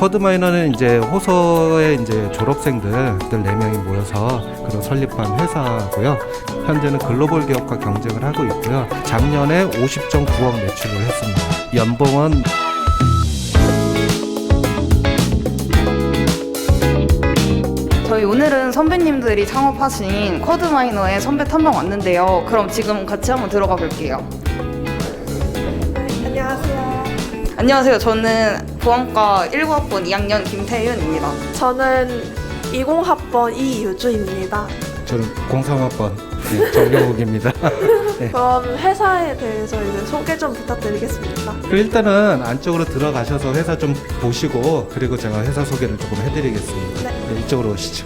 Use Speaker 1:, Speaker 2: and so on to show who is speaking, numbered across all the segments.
Speaker 1: 쿼드마이너는 이제 호서의 이제 졸업생들 4명이 모여서 그런 설립한 회사고요. 현재는 글로벌 기업과 경쟁을 하고 있고요. 작년에 50.9억 매출을 했습니다. 연봉은
Speaker 2: 저희 오늘은 선배님들이 창업하신 쿼드마이너의 선배 탐방 왔는데요. 그럼 지금 같이 한번 들어가 볼게요.
Speaker 3: 안녕하세요.
Speaker 2: 안녕하세요. 저는 보안과 19학번 2학년 김태윤입니다.
Speaker 3: 저는 20학번 이유주입니다.
Speaker 1: 저는 03학번 정영욱입니다. 네.
Speaker 3: 그럼 회사에 대해서 이제 소개 좀 부탁드리겠습니다.
Speaker 1: 일단은 안쪽으로 들어가셔서 회사 좀 보시고 그리고 제가 회사 소개를 조금 해드리겠습니다.
Speaker 3: 네.
Speaker 1: 이쪽으로 오시죠.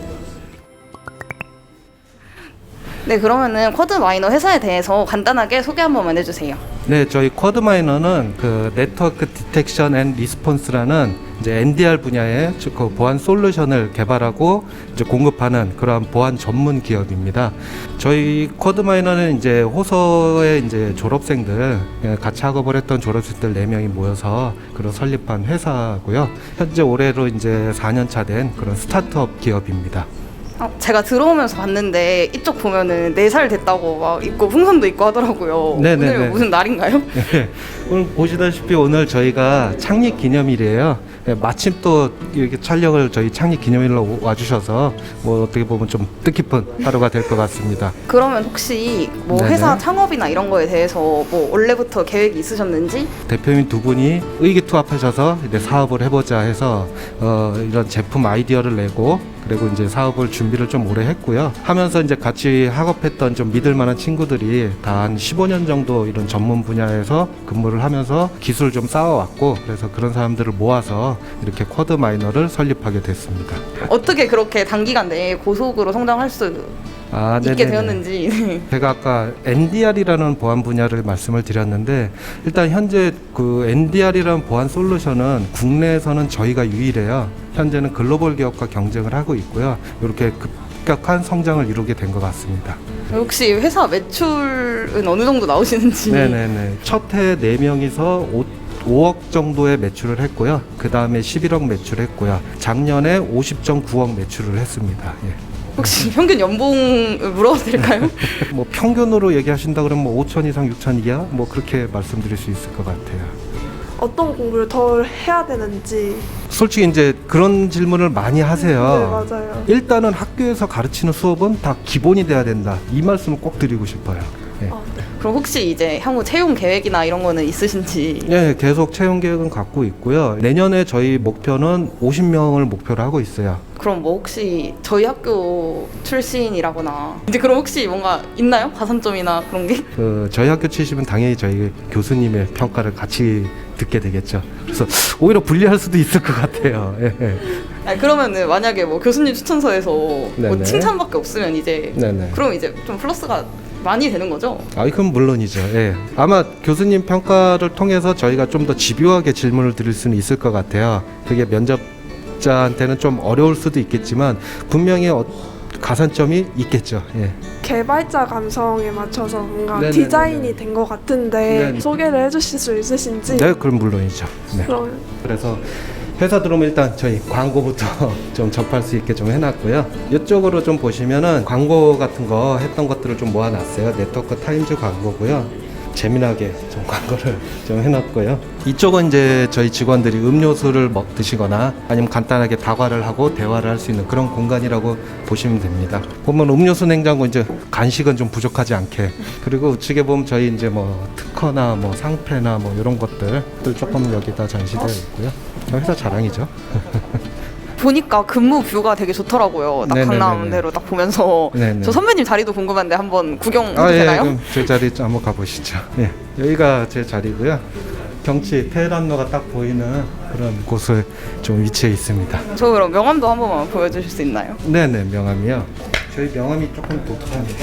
Speaker 2: 네, 그러면은 쿼드마이너 회사에 대해서 간단하게 소개 한 번만 해주세요.
Speaker 1: 네, 저희 쿼드마이너는 그 네트워크 디텍션 앤 리스폰스라는 이제 NDR 분야의 그 보안 솔루션을 개발하고 이제 공급하는 그러한 보안 전문 기업입니다. 저희 쿼드마이너는 이제 호서의 이제 졸업생들 같이 학업을 했던 졸업생들 4명이 모여서 그런 설립한 회사고요. 현재 올해로 이제 4년 차 된 그런 스타트업 기업입니다.
Speaker 2: 제가 들어오면서 봤는데 이쪽 보면은 4살 됐다고 막 있고 풍선도 있고 하더라고요.
Speaker 1: 네네네.
Speaker 2: 오늘 무슨 날인가요?
Speaker 1: 네, 오늘 보시다시피 오늘 저희가 창립 기념일이에요. 네, 마침 또 이렇게 촬영을 저희 창립 기념일로 와주셔서 뭐 어떻게 보면 좀 뜻깊은 하루가 될 것 같습니다.
Speaker 2: 그러면 혹시 뭐
Speaker 1: 네네.
Speaker 2: 회사 창업이나 이런 거에 대해서 뭐 원래부터 계획이 있으셨는지?
Speaker 1: 대표님 두 분이 의기투합하셔서 이제 사업을 해보자 해서 이런 제품 아이디어를 내고 그리고 이제 사업을 준비를 좀 오래 했고요. 하면서 이제 같이 학업했던 좀 믿을 만한 친구들이 다 한 15년 정도 이런 전문 분야에서 근무를 하면서 기술 좀 쌓아왔고 그래서 그런 사람들을 모아서 이렇게 쿼드마이너를 설립하게 됐습니다.
Speaker 2: 어떻게 그렇게 단기간 내에 고속으로 성장할 수 있게 되었는지.
Speaker 1: 제가 아까 NDR이라는 보안 분야를 말씀을 드렸는데 일단 현재 그 NDR이라는 보안 솔루션은 국내에서는 저희가 유일해요. 현재는 글로벌 기업과 경쟁을 하고 있고요. 이렇게 급격한 성장을 이루게 된 것 같습니다.
Speaker 2: 혹시 회사 매출은 어느 정도 나오시는지?
Speaker 1: 네네네. 첫 해 4명이서 5억 정도의 매출을 했고요. 그 다음에 11억 매출했고요. 작년에 50.9억 매출을 했습니다. 예.
Speaker 2: 혹시 평균 연봉을 물어봐도 될까요?
Speaker 1: 뭐 평균으로 얘기하신다 그러면 뭐 5천 이상 6천 이하 뭐 그렇게 말씀드릴 수 있을 것 같아요.
Speaker 3: 어떤 공부를 더 해야 되는지.
Speaker 1: 솔직히 이제 그런 질문을 많이 하세요.
Speaker 3: 네, 맞아요.
Speaker 1: 일단은 학교에서 가르치는 수업은 다 기본이 돼야 된다. 이 말씀을 꼭 드리고 싶어요. 예.
Speaker 3: 네.
Speaker 2: 그럼 혹시 이제 향후 채용 계획이나 이런 거는 있으신지?
Speaker 1: 예, 계속 채용 계획은 갖고 있고요. 내년에 저희 목표는 50명을 목표로 하고 있어요.
Speaker 2: 그럼 뭐 혹시 저희 학교 출신이라거나 이제 그럼 혹시 뭔가 있나요? 가산점이나 그런 게?
Speaker 1: 저희 학교 치시면 당연히 저희 교수님의 평가를 같이 듣게 되겠죠. 그래서 오히려 불리할 수도 있을 것 같아요. 예.
Speaker 2: 아니, 그러면은 만약에 뭐 교수님 추천서에서 뭐
Speaker 1: 네네.
Speaker 2: 칭찬밖에 없으면 이제
Speaker 1: 네네.
Speaker 2: 그럼 이제 좀 플러스가 많이 되는 거죠?
Speaker 1: 그건 물론이죠. 예. 아마 교수님 평가를 통해서 저희가 좀 더 집요하게 질문을 드릴 수는 있을 것 같아요. 그게 면접자한테는 좀 어려울 수도 있겠지만 분명히 가산점이 있겠죠. 예.
Speaker 3: 개발자 감성에 맞춰서 뭔가
Speaker 1: 네네네네.
Speaker 3: 디자인이 된 것 같은데
Speaker 1: 네네.
Speaker 3: 소개를 해주실 수 있으신지.
Speaker 1: 네, 그럼 물론이죠. 네.
Speaker 3: 그럼
Speaker 1: 그래서 회사 들어오면 일단 저희 광고부터 좀 접할 수 있게 좀 해놨고요. 이쪽으로 좀 보시면은 광고 같은 거 했던 것들을 좀 모아놨어요. 네트워크 타임즈 광고고요. 재미나게 좀 광고를 좀 해놨고요. 이쪽은 이제 저희 직원들이 음료수를 드시거나 아니면 간단하게 다과를 하고 대화를 할 수 있는 그런 공간이라고 보시면 됩니다. 보면 음료수 냉장고 이제 간식은 좀 부족하지 않게 그리고 우측에 보면 저희 이제 뭐 특허나 뭐 상패나 뭐 이런 것들 조금 여기다 전시되어 있고요. 회사 자랑이죠.
Speaker 2: 보니까 근무 뷰가 되게 좋더라고요. 딱
Speaker 1: 네네네네.
Speaker 2: 강남대로 딱 보면서.
Speaker 1: 네네.
Speaker 2: 저 선배님 자리도 궁금한데 한번 구경해도
Speaker 1: 예,
Speaker 2: 되나요?
Speaker 1: 그럼 제 자리 한번 가보시죠. 예, 여기가 제 자리고요. 경치 테헤란로가 딱 보이는 그런 곳에 좀 위치해 있습니다.
Speaker 2: 저 그럼 명함도 한 번만 보여주실 수 있나요?
Speaker 1: 네네, 명함이요. 저희 명함이 조금 독특합니다.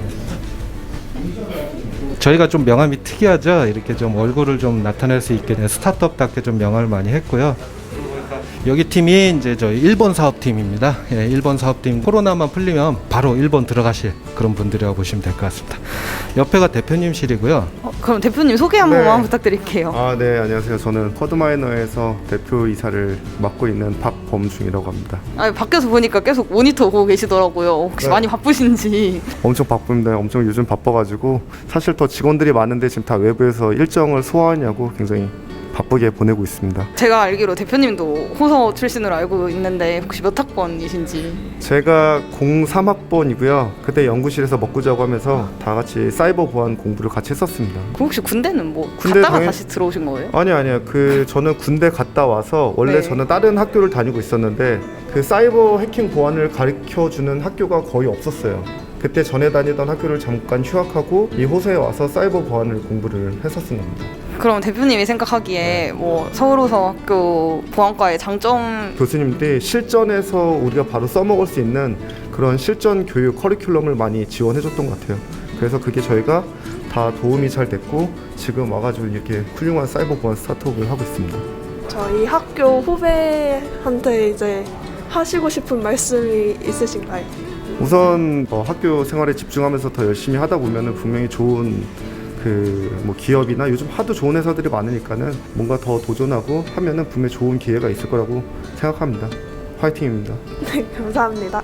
Speaker 1: 저희가 좀 명함이 특이하죠. 이렇게 좀 얼굴을 좀 나타낼 수 있게 스타트업답게 좀 명함을 많이 했고요. 여기 팀이 이제 저희 일본 사업팀입니다. 예, 일본 사업팀 코로나만 풀리면 바로 일본 들어가실 그런 분들이라고 보시면 될 것 같습니다. 옆에가 대표님실이고요.
Speaker 2: 그럼 대표님 소개 한
Speaker 4: 네.
Speaker 2: 번만 부탁드릴게요.
Speaker 4: 네, 안녕하세요. 저는 쿼드마이너에서 대표이사를 맡고 있는 박범중이라고 합니다.
Speaker 2: 밖에서 보니까 계속 모니터 보고 계시더라고요. 혹시
Speaker 4: 네.
Speaker 2: 많이 바쁘신지.
Speaker 4: 엄청 바쁩니다. 엄청 요즘 바빠가지고 사실 더 직원들이 많은데 지금 다 외부에서 일정을 소화하냐고 굉장히 바쁘게 보내고 있습니다.
Speaker 2: 제가 알기로 대표님도 호서 출신으로 알고 있는데 혹시 몇 학번이신지.
Speaker 4: 제가 03학번이고요. 그때 연구실에서 먹고 자고 하면서 다 같이 사이버 보안 공부를 같이 했었습니다.
Speaker 2: 그럼 혹시 군대는 뭐
Speaker 4: 군대
Speaker 2: 갔다가
Speaker 4: 당연-
Speaker 2: 다시 들어오신 거예요?
Speaker 4: 아니요. 저는 군대 갔다 와서 원래
Speaker 2: 네.
Speaker 4: 저는 다른 학교를 다니고 있었는데 그 사이버 해킹 보안을 가르쳐주는 학교가 거의 없었어요. 그때 전에 다니던 학교를 잠깐 휴학하고 이 호서에 와서 사이버 보안을 공부를 했었던 겁니다.
Speaker 2: 그럼 대표님이 생각하기에 뭐 서울호서학교 보안과의 장점.
Speaker 4: 교수님들이 실전에서 우리가 바로 써먹을 수 있는 그런 실전 교육 커리큘럼을 많이 지원해줬던 것 같아요. 그래서 그게 저희가 다 도움이 잘 됐고 지금 와가지고 이렇게 훌륭한 사이버 보안 스타트업을 하고 있습니다.
Speaker 3: 저희 학교 후배한테 이제 하시고 싶은 말씀이 있으신가요?
Speaker 4: 우선 학교 생활에 집중하면서 더 열심히 하다 보면은 분명히 좋은 뭐 기업이나 요즘 하도 좋은 회사들이 많으니까는 뭔가 더 도전하고 하면은 분명히 좋은 기회가 있을 거라고 생각합니다. 화이팅입니다.
Speaker 3: 네, 감사합니다.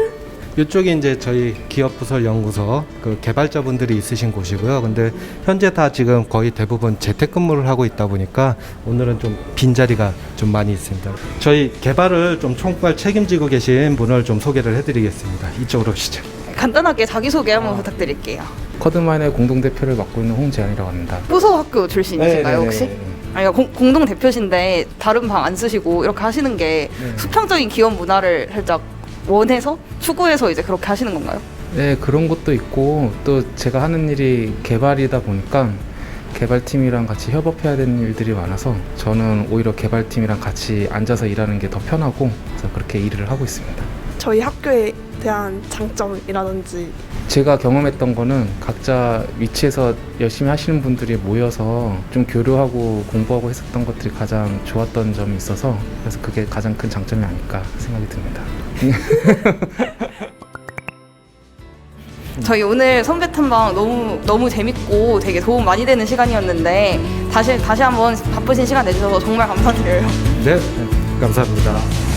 Speaker 1: 이쪽이 이제 저희 기업부설 연구소 그 개발자분들이 있으신 곳이고요. 근데 현재 다 지금 거의 대부분 재택근무를 하고 있다 보니까 오늘은 좀 빈자리가 좀 많이 있습니다. 저희 개발을 좀 총괄 책임지고 계신 분을 좀 소개를 해드리겠습니다. 이쪽으로 오시죠.
Speaker 2: 간단하게 자기소개 한번 부탁드릴게요.
Speaker 5: 쿼드마이너의 공동대표를 맡고 있는 홍재현이라고 합니다.
Speaker 2: 호서학교 출신이신가요 혹시?
Speaker 5: 네.
Speaker 2: 아니 공동 대표신데 다른 방 안 쓰시고 이렇게 하시는 게 수평적인 기업 문화를 살짝 원해서 추구해서 이제 그렇게 하시는 건가요?
Speaker 5: 네, 그런 것도 있고 또 제가 하는 일이 개발이다 보니까 개발팀이랑 같이 협업해야 되는 일들이 많아서 저는 오히려 개발팀이랑 같이 앉아서 일하는 게 더 편하고 그래서 그렇게 일을 하고 있습니다.
Speaker 3: 저희 학교에 대한 장점이라든지
Speaker 5: 제가 경험했던 거는 각자 위치에서 열심히 하시는 분들이 모여서 좀 교류하고 공부하고 했었던 것들이 가장 좋았던 점이 있어서 그래서 그게 가장 큰 장점이 아닐까 생각이 듭니다.
Speaker 2: 저희 오늘 선배 탐방 너무 재밌고 되게 도움 많이 되는 시간이었는데 다시 한번 바쁘신 시간 내주셔서 정말 감사드려요.
Speaker 1: 네, 감사합니다.